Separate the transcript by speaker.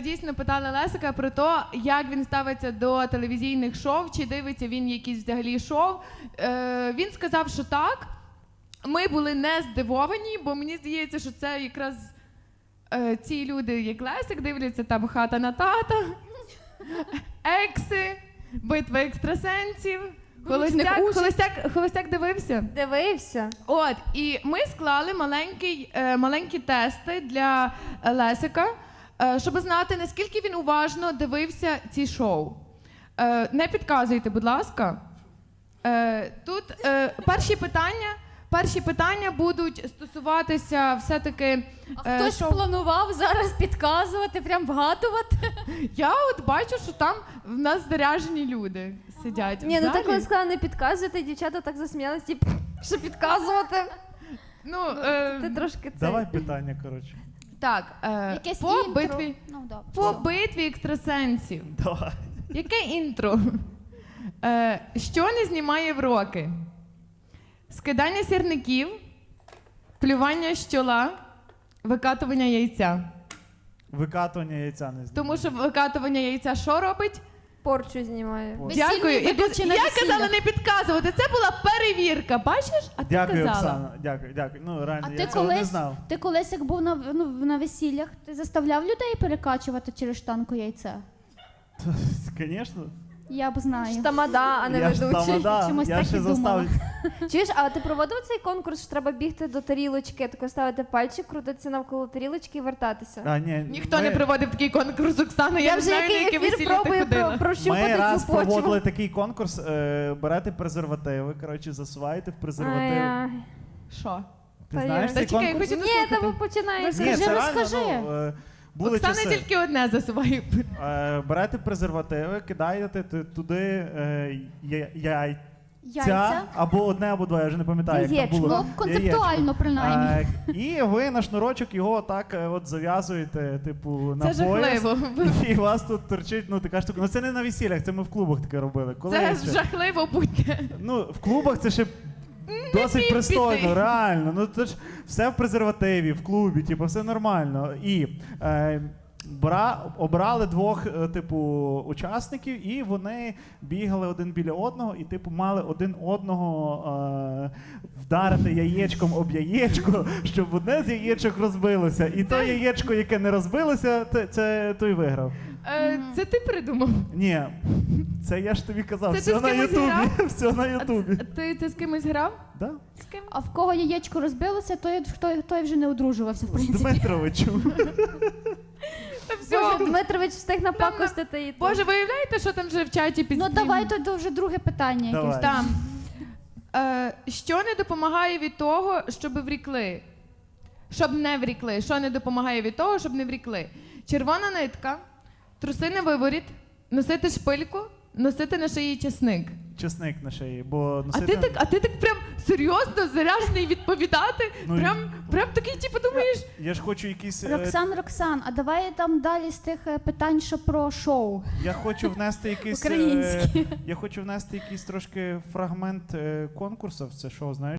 Speaker 1: дійсно питали Лесика про те, як він ставиться до телевізійних шоу, чи дивиться він якісь взагалі шоу. Він сказав, що так. Ми були не здивовані, бо мені здається, що це якраз ці люди, як Лесик, дивляться там «Хата на тата», «Екси», «Битва екстрасенсів». Холостяк дивився?
Speaker 2: Дивився.
Speaker 1: От, і ми склали маленькі тести для Лесика, щоб знати, наскільки він уважно дивився ці шоу. Не підказуйте, будь ласка. Тут перші питання будуть стосуватися все-таки
Speaker 3: Хтось
Speaker 1: шоу.
Speaker 3: планував зараз підказувати, прям вгадувати?
Speaker 1: Я от бачу, що там в нас заряжені люди сидять.
Speaker 2: Ні,
Speaker 1: в
Speaker 2: ну
Speaker 1: залі.
Speaker 2: так коли сказала не підказуйте, дівчата так засміялись, типу, що підказувати.
Speaker 1: Ну,
Speaker 2: Ти трошки це.
Speaker 4: Давай питання, коротше.
Speaker 1: так,
Speaker 3: Якесь
Speaker 1: по
Speaker 3: інтро?
Speaker 1: битві.
Speaker 3: Ну, добре.
Speaker 1: По битві екстрасенсів.
Speaker 4: Давай.
Speaker 1: Яке інтро? Що не знімає в роки? Скидання сірників, плювання з чола, викатування яйця.
Speaker 4: Викатування яйця не знаю.
Speaker 1: Тому що викатування яйця що робить?
Speaker 2: Порчу знімає.
Speaker 3: Весільний
Speaker 1: Дякую.
Speaker 3: ведучий на
Speaker 1: Я
Speaker 3: весіллях.
Speaker 1: казала не підказувати. Це була перевірка. Бачиш? А ти
Speaker 4: Дякую,
Speaker 1: казала.
Speaker 4: Оксана. Дякую. Ну, реально,
Speaker 3: А
Speaker 4: я
Speaker 3: ти
Speaker 4: цього не
Speaker 3: колись,
Speaker 4: знав.
Speaker 3: ти колись, як був на весіллях, ти заставляв людей перекачувати через штанку яйця?
Speaker 4: Звісно.
Speaker 3: Я б знаю.
Speaker 2: Тамада, а не
Speaker 4: Я ж
Speaker 2: ведучий.
Speaker 4: тамада,
Speaker 3: Чомусь
Speaker 4: я
Speaker 3: так
Speaker 4: ще
Speaker 3: і думала.
Speaker 4: заставлю.
Speaker 2: Чуєш, а ти проводив цей конкурс, що треба бігти до тарілочки, тако ставити пальчик, крутитися навколо тарілочки і вертатися?
Speaker 4: А, ні,
Speaker 1: Ніхто не проводив такий конкурс, Оксана. Я
Speaker 2: Я
Speaker 1: не
Speaker 2: вже
Speaker 1: знаю, на
Speaker 2: який
Speaker 1: яке
Speaker 2: ефір
Speaker 1: весілля ти
Speaker 2: пробую
Speaker 1: ходила.
Speaker 2: прощупати
Speaker 4: Ми раз
Speaker 2: цю почву.
Speaker 4: проводили такий конкурс, берете презервативи, коротше, засуваєте в презерватив.
Speaker 2: Ай,
Speaker 1: Що?
Speaker 4: Ти
Speaker 2: Та
Speaker 4: знаєш
Speaker 2: я-
Speaker 4: цей
Speaker 1: Та чекай,
Speaker 4: конкурс?
Speaker 1: хочу
Speaker 2: ні, там
Speaker 1: дослухати.
Speaker 2: починається.
Speaker 4: Ні,
Speaker 3: Розкажи,
Speaker 4: це реально,
Speaker 3: розкажи.
Speaker 4: були
Speaker 1: Оксана
Speaker 4: часи.
Speaker 1: тільки одне засуває.
Speaker 4: Берете презервативи, кидаєте туди яйця,
Speaker 3: Яйця?
Speaker 4: або одне, або два, я вже не пам'ятаю, як там
Speaker 2: Яєчко.
Speaker 4: було.
Speaker 3: Ну, концептуально, принаймні.
Speaker 4: І ви на шнурочок його так от зав'язуєте, типу, на
Speaker 1: Це
Speaker 4: пояс.
Speaker 1: жахливо.
Speaker 4: І у вас тут торчить, ну, така штука. Ну, це не на весіллях, це ми в клубах таке робили. Коли
Speaker 1: Це
Speaker 4: ще?
Speaker 1: жахливо будьте.
Speaker 4: Ну, в клубах це ще досить пристойно,
Speaker 1: піти.
Speaker 4: реально. Ну, це ж все в презервативі, в клубі, типу, все нормально. І обрали двох, типу, учасників, і вони бігали один біля одного, і, типу, мали один одного вдарити яєчком об яєчко, щоб одне з яєчок розбилося. І то яєчко, яке не розбилося, це той виграв.
Speaker 1: Це ти придумав?
Speaker 4: Ні, це я ж тобі казав,
Speaker 1: Це
Speaker 4: все
Speaker 1: ти з
Speaker 4: на
Speaker 1: кимось
Speaker 4: Ютубі.
Speaker 1: грав?
Speaker 4: Все на Ютубі.
Speaker 1: Ти з кимось грав?
Speaker 4: Да?
Speaker 1: З ким?
Speaker 3: А в кого яєчко розбилося, той вже не одружувався, в
Speaker 4: З
Speaker 3: принципі.
Speaker 4: Дмитровичем.
Speaker 1: Та все.
Speaker 2: Боже, Дмитрович встиг напакостити і
Speaker 1: Боже, виявляєте, що там вже в чаті під
Speaker 3: Ну
Speaker 1: стрімом?
Speaker 3: давай то вже друге питання
Speaker 4: Давай.
Speaker 3: якесь.
Speaker 1: Там. Що не допомагає від того, щоб врікли? Щоб не врікли. Що не допомагає від того, щоб не врікли? Червона нитка, труси на виворіт, носити шпильку, носити на шиї чесник.
Speaker 4: Чесник на шиї, бо
Speaker 1: А ти так прям серйозно заряджений відповідати?
Speaker 4: Ну,
Speaker 1: Прям такий, типу, думаєш?
Speaker 4: Я ж хочу якісь.
Speaker 3: Роксан, а давай там далі з тих питань, що про шоу.
Speaker 4: Я хочу внести якийсь.
Speaker 3: Українські.
Speaker 4: Я хочу внести якийсь трошки фрагмент конкурсу в це шоу, знаєш.